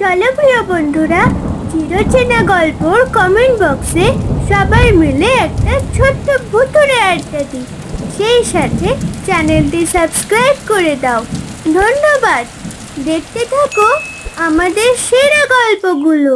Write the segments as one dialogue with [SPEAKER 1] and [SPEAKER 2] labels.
[SPEAKER 1] চলো প্রিয় বন্ধুরা, চিরচেনা গল্পর কমেন্ট বক্সে সবাই মিলে একটা ছোট্ট ভুতুড়ে আড্ডা দিই। সেই সাথে চ্যানেলটি সাবস্ক্রাইব করে দাও। ধন্যবাদ। দেখতে থাকো আমাদের সেরা গল্পগুলো।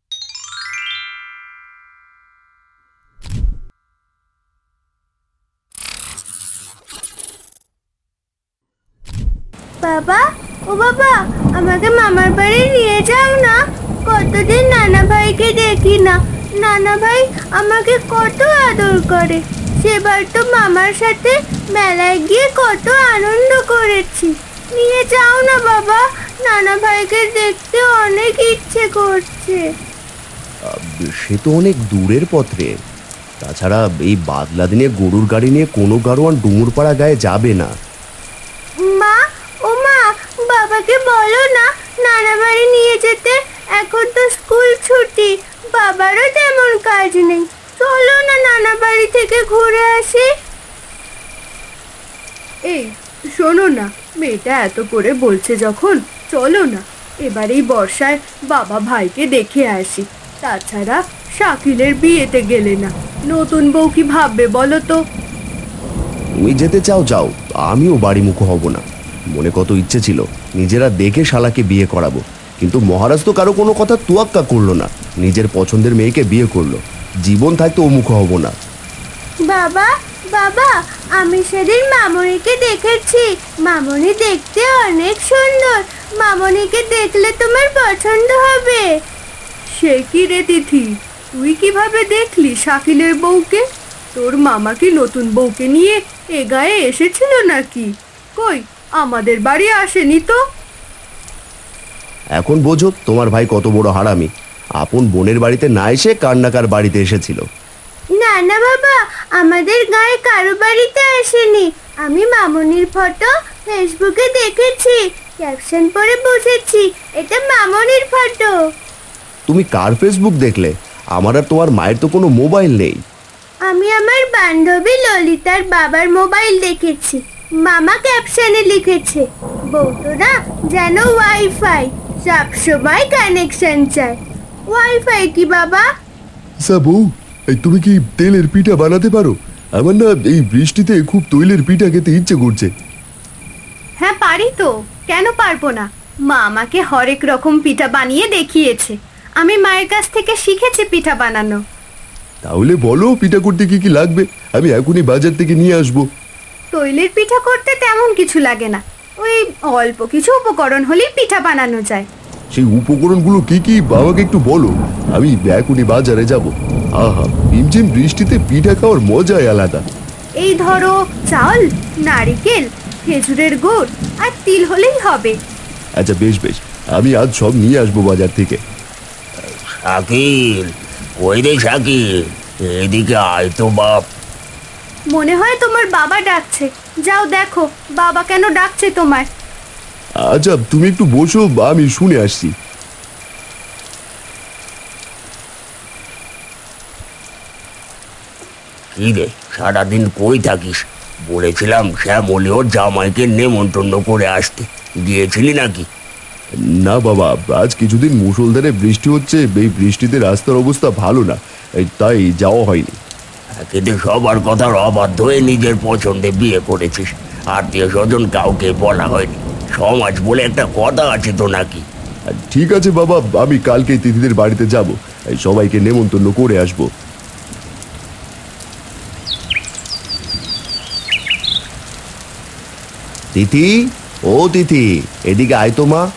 [SPEAKER 1] বাবা, ও বাবা, আমাকে মামার বাড়ি নিয়ে যাও না। কতদিন নানা ভাইকে দেখি না। নানা ভাই আমাকে কত আদর করে। সেবার তো মামার সাথে মেলায় গিয়ে কত আনন্দ করেছি। নিয়ে যাও না বাবা, নানা ভাইকে দেখতে অনেক ইচ্ছে করছে।
[SPEAKER 2] সে তো অনেক দূরের পথে। তাছাড়া এই বাদলা দিনে গরুর গাড়ি নিয়ে কোনো গাড়োয়ান ডুমুরপাড়া গায়ে যাবে না।
[SPEAKER 1] মা, ও মা, বাবাকে বলো না নানা বাড়ি নিয়ে যেতে। এখন তো স্কুল ছুটি, বাবারও তেমন কাজ নেই। চলো না নানা বাড়ি থেকে ঘুরে আসি।
[SPEAKER 3] এই শোনো না, মেয়েটা এত করে বলছে যখন, চলো না এবার এই বর্ষায় বাবা ভাইকে দেখে আসি। তাছাড়া শাকিলের বিয়েতে গেলে না নতুন বউ কি ভাববে বলো তো?
[SPEAKER 2] তুমি যেতে চাও যাও, আমিও বাড়ি মুখো হব না। মনে কত ইচ্ছে ছিল নিজেরা দেখে শালাকে বিয়ে করাবো, কিন্তু মহারাজ তো কারো কোনো কথা তোয়াক্কা করলো না। নিজের পছন্দের মেয়েকে বিয়ে করলো। জীবন থাকতে ও মুখো হব না।
[SPEAKER 1] বাবা, বাবা, আমি সেদিন মামনিকে দেখেছি। মামনি দেখতে অনেক সুন্দর। মামনিকে দেখলে তোমার পছন্দ হবে।
[SPEAKER 3] সে কি রে তিথি, তুই কিভাবে দেখলি শাকিলের বউকে? তোর মামা কি নতুন বউকে নিয়ে এ গায়ে এসেছিল নাকি? কই, আমাদের বাড়ি আসেনি তো।
[SPEAKER 2] এখন বোঝো তোমার ভাই কত বড় হারামি। আপন বোনের বাড়িতে না এসে কান্নাকার বাড়িতে এসেছিল।
[SPEAKER 1] না না বাবা, আমাদের গায়ে কারো বাড়িতে আসেনি। আমি মামনির ফটো ফেসবুকে দেখেছি, ক্যাপশন পরে বুঝেছি এটা মামনির ফটো।
[SPEAKER 2] তুমি কার ফেসবুক দেখলে? আমার আর তোমার মায়ের তো কোনো মোবাইল নেই।
[SPEAKER 1] আমি আমার বান্ধবী ললিতার বাবার মোবাইল দেখেছি। মামা ক্যাপশনে লিখেছে, বউটোরা যেন ওয়াইফাই, সবসময় কানেকশন চায়। ওয়াইফাই কি বাবা?
[SPEAKER 4] সাবু, তুমি কি তেলের পিঠা বানাতে পারো? আমার না এই বৃষ্টিতে খুব তৈলের পিঠা খেতে ইচ্ছে করছে।
[SPEAKER 3] হ্যাঁ পারি তো, কেন পারবো না। মা আমাকে হরেক রকম পিঠা বানিয়ে দেখিয়েছে। আমি মায়ের কাছ থেকে শিখেছি পিঠা বানানো।
[SPEAKER 4] তাহলে বলো পিঠা করতে কি কি লাগবে, আমি এখনই বাজার থেকে নিয়ে আসবো।
[SPEAKER 3] তৈলের পিঠা করতে তেমন কিছু লাগে না, ওই অল্প কিছু উপকরণ হলেই পিঠা বানানো যায়।
[SPEAKER 4] সেই উপকরণগুলো কি কি আমাকে একটু বলো, আমি এখনই বাজারে যাব। আহা, ঝিমঝিম বৃষ্টিতে পিঠা খাওয়ার মজাই আলাদা।
[SPEAKER 3] এই ধরো, চাল, নারিকেল, খেজুরের গুড় আর তিল হলেই হবে।
[SPEAKER 4] আচ্ছা বেশ বেশ, আমি আজ সব নিয়ে আসবো বাজার থেকে।
[SPEAKER 5] শাকিল, ওই রে শাকিল, এদিকে আয় তো বাপ।
[SPEAKER 3] মনে হয় তোমার বাবা ডাকছে, যাও দেখো বাবা কেন ডাকছে তোমায়।
[SPEAKER 4] আচ্ছা তুমি একটু বসো, আমি শুনে আসছি।
[SPEAKER 5] কি রে, সারাদিন কই থাকিস? বলেছিলাম শ্যামলি ওর জামাইকে নেমন্তন্ন করে আসতে, গিয়েছিলি নাকি?
[SPEAKER 4] না বাবা, আজ কিছুদিন মুষলধারে বৃষ্টি হচ্ছে, এই বৃষ্টিতে রাস্তার অবস্থা ভালো না, তাই যাওয়া হয়নি।
[SPEAKER 5] কিন্তু সবার কথার অবাধ্য হয়ে নিজের পছন্দে বিয়ে করেছিস, আত্মীয় স্বজন কাউকে বলা হয়নি। সমাজ বলে একটা কথা আছে তো নাকি?
[SPEAKER 4] ঠিক আছে বাবা, আমি কালকে তিথিদের বাড়িতে যাব, সবাইকে নেমন্তন্ন করে আসবো।
[SPEAKER 2] তিথি, ও তিথি, এদিকে আয় তো মা।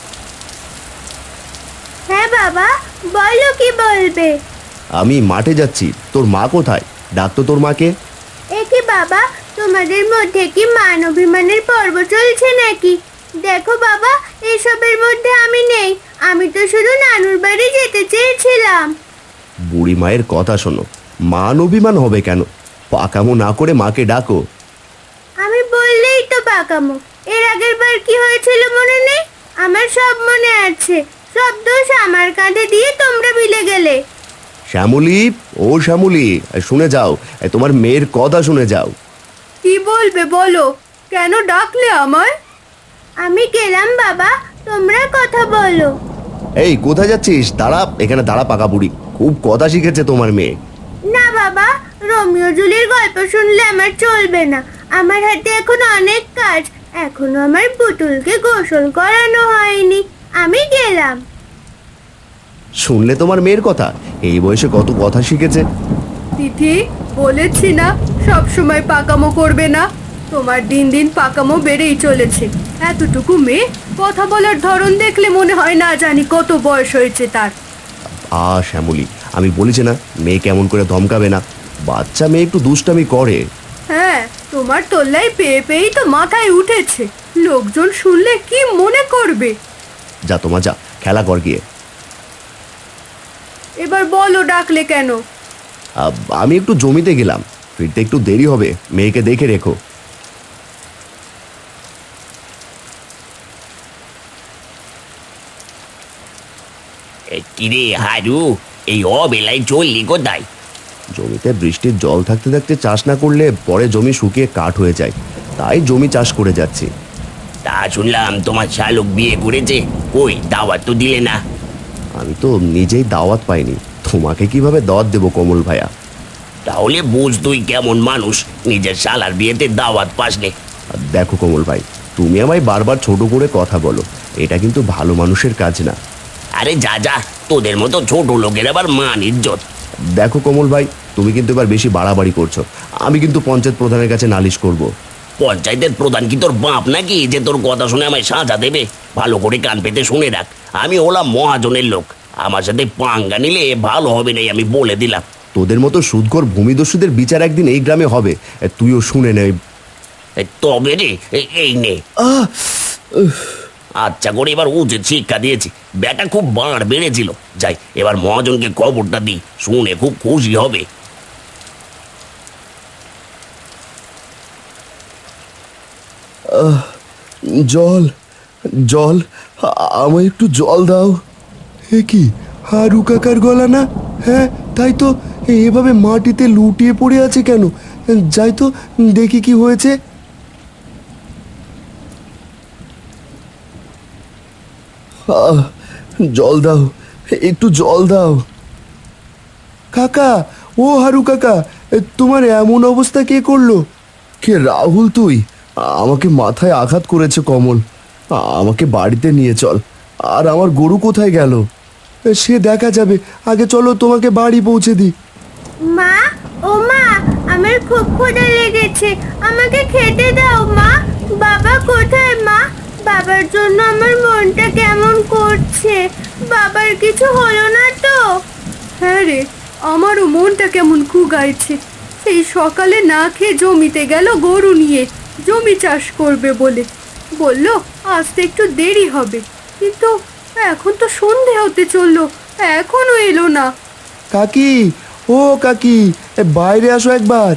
[SPEAKER 1] হ্যাঁ বাবা, বলো কি বলবে?
[SPEAKER 2] আমি মাঠে যাচ্ছি, তোর মা কোথায়? ডাকতো তোর মাকে।
[SPEAKER 1] এ কি বাবা, তোমাদের মধ্যে কি মান অভিমানের পর্ব চলছে নাকি? দেখো বাবা, এসবের মধ্যে আমি নেই। আমি তো শুধু নানুর বাড়ি যেতে চেয়েছিলাম।
[SPEAKER 2] বুড়ি মায়ের কথা শোনো, মান অভিমান হবে কেন? পাকামো না করে মাকে ডাকো।
[SPEAKER 1] আমি বললেই তো পাকামো। এর আগের বার কি হয়েছিল মনে নেই? আমার সব মনে আছে। সব দোষ আমার কাঁধে দিয়ে তোমরা বিলে গেলে।
[SPEAKER 2] শ্যামলী, ও শ্যামলী, শুনে যাও, তোমার মেয়ের কথা শুনে যাও।
[SPEAKER 3] কি বলবে বলো, কেন ডাকলে আমায়?
[SPEAKER 1] আমি গেলাম বাবা, তোমরা কথা বলো।
[SPEAKER 2] এই কোথায় যাচ্ছিস? দাঁড়া, এখানে দাঁড়া পাকা বুড়ি। খুব কথা শিখেছে তোমার মেয়ে।
[SPEAKER 1] না বাবা, রোমিও জুলির গল্প শুনলে আমার চলবে না। আমার হাতে এখন অনেক কাজ, এখনো আমার পুতুলকে গোসল করানো হয়নি। আমি গেলাম।
[SPEAKER 2] শুনলে তোমার মেয়ের কথা? এই বয়সে কত কথা শিখেছে।
[SPEAKER 3] তিথি, বলেছি না সব সময় পাকামো করবে না। তোমার দিন দিন পাকামো বেড়েই চলেছে। এতটুকু মেয়ে, কথা বলার ধরন দেখলে মনে হয় না জানি কত বয়স হয়েছে তার।
[SPEAKER 2] শ্যামলী, আমি বলেছি না মেয়ে কেমন করে ধমকাবে না। বাচ্চা মেয়ে একটু দুষ্টামি করে।
[SPEAKER 3] হ্যাঁ, তোমার তোল্লাই পেয়ে পেয়েই তো মাথায় উঠেছে। লোকজন শুনলে কি মনে করবে?
[SPEAKER 2] যা তোমার, যা খেলা কর গিয়ে।
[SPEAKER 3] এবার বলো, ডাকলে কেন?
[SPEAKER 2] আমি একটু জমিতে গেলাম, ফিরতে একটু দেরি হবে, মেয়েকে দেখে রেখো।
[SPEAKER 5] কিরে হারু, এই অবেলায় চললি কোথায়?
[SPEAKER 2] জমিতে বৃষ্টির জল থাকতে থাকতে চাষ না করলে পরে জমি শুকিয়ে কাঠ হয়ে যায়, তাই জমি চাষ করে যাচ্ছি।
[SPEAKER 5] তা শুনলাম তোমার শালুক বিয়ে করেছে, কই দাওয়াত তো দিলে না?
[SPEAKER 2] আমি তো নিজেই দাওয়াত পাইনি, তোমাকে কিভাবে দাওয়াত দেবো কমল ভাইয়া?
[SPEAKER 5] তাহলে বুঝ তুই কেমন মানুষ, নিজের শালার বিয়েতে দাওয়াত পাসনে।
[SPEAKER 2] দেখো কমল ভাই, তুমি আমায় বারবার ছোট করে কথা বলো, এটা কিন্তু ভালো মানুষের কাজ না।
[SPEAKER 5] আরে যা যা, তোদের মতো ছোট লোকের আবার মান ইজ্জত।
[SPEAKER 2] দেখো কমল ভাই, তুমি কিন্তু এবার বেশি বাড়াবাড়ি করছো। আমি কিন্তু পঞ্চায়েত প্রধানের কাছে নালিশ করব।
[SPEAKER 5] পঞ্চায়েতের প্রধান কি তোর বাপ নাকি যে তোর কথা শুনে আমায় সাজা দেবে? ভালো করে কান পেতে শুনে রাখ, আমি হলাম মহাজনের লোক। আমার সাথে পাঙ্গা নিলে ভালো হবে নাই, আমি বলে দিলাম।
[SPEAKER 2] তোদের মতো সুদখোর ভূমিদস্যুদের বিচার একদিন এই গ্রামে হবে, তুইও শুনে নে।
[SPEAKER 5] তবে রে, এই নে। আচ্ছা করে এবার উচিত শিক্ষা দিয়েছি, ব্যাটা খুব বাড় বেড়েছিল। যাই এবার মহাজনকে খবরটা দিই, শুনে খুব খুশি হবে।
[SPEAKER 4] জল, জল, আমায় একটু জল দাও। এ কি, হারু কাকার গলা না? হ্যাঁ তাই তো, এভাবে মাটিতে লুটিয়ে পড়ে আছে কেন? যাই তো দেখি কি হয়েছে। জল দাও, একটু জল দাও। কাকা, ও হারু কাকা, তোমার এমন অবস্থা কে করলো? কে রাহুল তুই? আমাকে মাথায় আঘাত করেছে কমল, আমাকে বাড়িতে নিয়ে চল। আর আমার গরু কোথায় গেল? সে দেখা যাবে, আগে চলো তোমাকে বাড়ি পৌঁছে দিই।
[SPEAKER 1] মা, ও মা, আমার খুব ক্ষুধা লেগেছে, আমাকে খেতে দাও মা। বাবা কোথায় মা? বাবার জন্য আমার মনটা কেমন করছে। বাবার কিছু হলো না তো?
[SPEAKER 3] হ্যাঁ রে, আমারও মনটা কেমন কুগাইছে। সেই সকালে না খেয়ে জমিতে গেল গরু নিয়ে, জমি চাষ করবে বলে। বলল আসতে একটু দেরি হবে, কিন্তু এখন তো সন্ধে হতে চললো, এখনো এলো না।
[SPEAKER 4] কাকি, ও কাকি, বাইরে আসো একবার।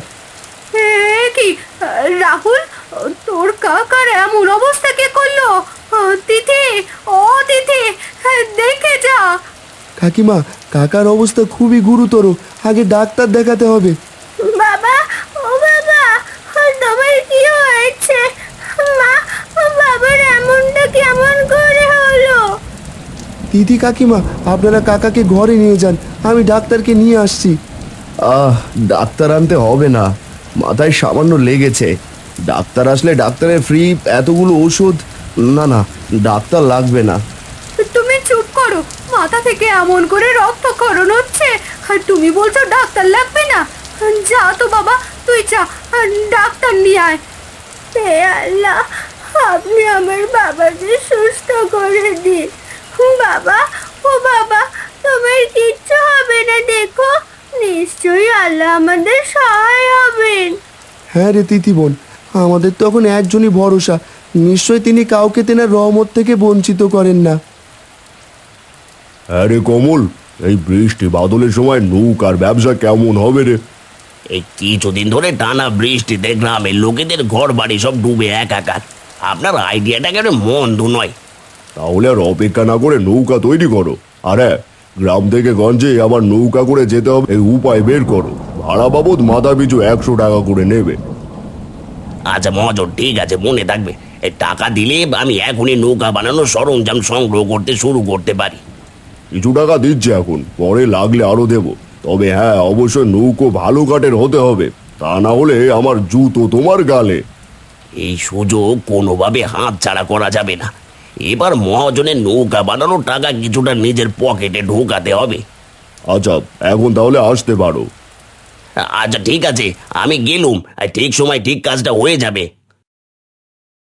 [SPEAKER 3] কি রাহুল, তোর কাকার এমন অবস্থা কে করলো? তিথি, ও তিথি, দেখে যা।
[SPEAKER 4] কাকিমা, কাকার অবস্থা খুবই গুরুতর, আগে ডাক্তার দেখাতে হবে।
[SPEAKER 1] বাবা, ও বাবা, তোমার কি হয়েছে? মা, বাবার এমনটা কেমন করে হলো?
[SPEAKER 4] দিদি, কাকিমা, আপনারা কাকাকে ঘরে নিয়ে যান, আমি ডাক্তারকে নিয়ে আসছি।
[SPEAKER 2] ডাক্তার আনতে হবে না, মাথায় সামান্য লেগেছে। ডাক্তার আসলে ডাক্তারের ফ্রি এতগুলো ওষুধ। না না, ডাক্তার লাগবে না।
[SPEAKER 3] তুমি চুপ করো, মাথা থেকে এমন করে রক্তক্ষরণ হচ্ছে আর তুমি বলছো ডাক্তার লাগবে না? যা তো বাবা, তুই যা, ডাক্তার নিয়ে আয়।
[SPEAKER 1] হে আল্লাহ, আপনি আমার বাবাকে সুস্থ করে দিন। বাবা, ও বাবা, তোমার কিচ্ছু হবে না, দেখো নিশ্চয়ই আল্লাহ আমাদের সহায় হবেন।
[SPEAKER 4] হ্যাঁ রে তিথি বোন, আমাদের তখন একজনই ভরসা, নিশ্চয় তিনি কাউকে তেনার রহমত থেকে বঞ্চিত করেন না।
[SPEAKER 2] আরে কমল, এই বৃষ্টি বাদলের সময় নৌকার ব্যবসা কেমন হবে রে?
[SPEAKER 5] এই কিছুদিন ধরে টানা বৃষ্টিতে গ্রামের লোকেদের ঘর বাড়ি সব ডুবে একাকার। আপনার আইডিয়াটা কেন মন্দ নয়।
[SPEAKER 2] তাহলে আর অপেক্ষা না করে নৌকা তৈরি করো। আর হ্যাঁ, গ্রাম থেকে গঞ্জে আবার নৌকা করে যেতে হবে, এই উপায় বের করো। ভাড়া বাবদ মাথা পিছু 100 টাকা করে নেবে।
[SPEAKER 5] আচ্ছা মহাজন, ঠিক আছে, মনে থাকবে। এই টাকা দিলে আমি এখনই নৌকা বানানোর সরঞ্জাম সংগ্রহ করতে শুরু করতে পারি।
[SPEAKER 4] কিছু টাকা দিচ্ছে এখন, পরে লাগলে আরো দেব। তবে হ্যাঁ, অবশ্যই নৌকো ভালো কাঠের হতে হবে, তা না হলে আমার জুতো তোমার গালে।
[SPEAKER 5] এই সুযোগ কোনোভাবে হাত ছাড়া করা যাবে না। এবার মহাজনের নৌকা বানানোর টাকা কিছুটা নিজের পকেটে ঢোকাতে হবে।
[SPEAKER 4] আচ্ছা, এখন তাহলে আসতে পারো।
[SPEAKER 5] আচ্ছা ঠিক আছে, আমি গেলুম, আর ঠিক সময় ঠিক কাজটা হয়ে যাবে।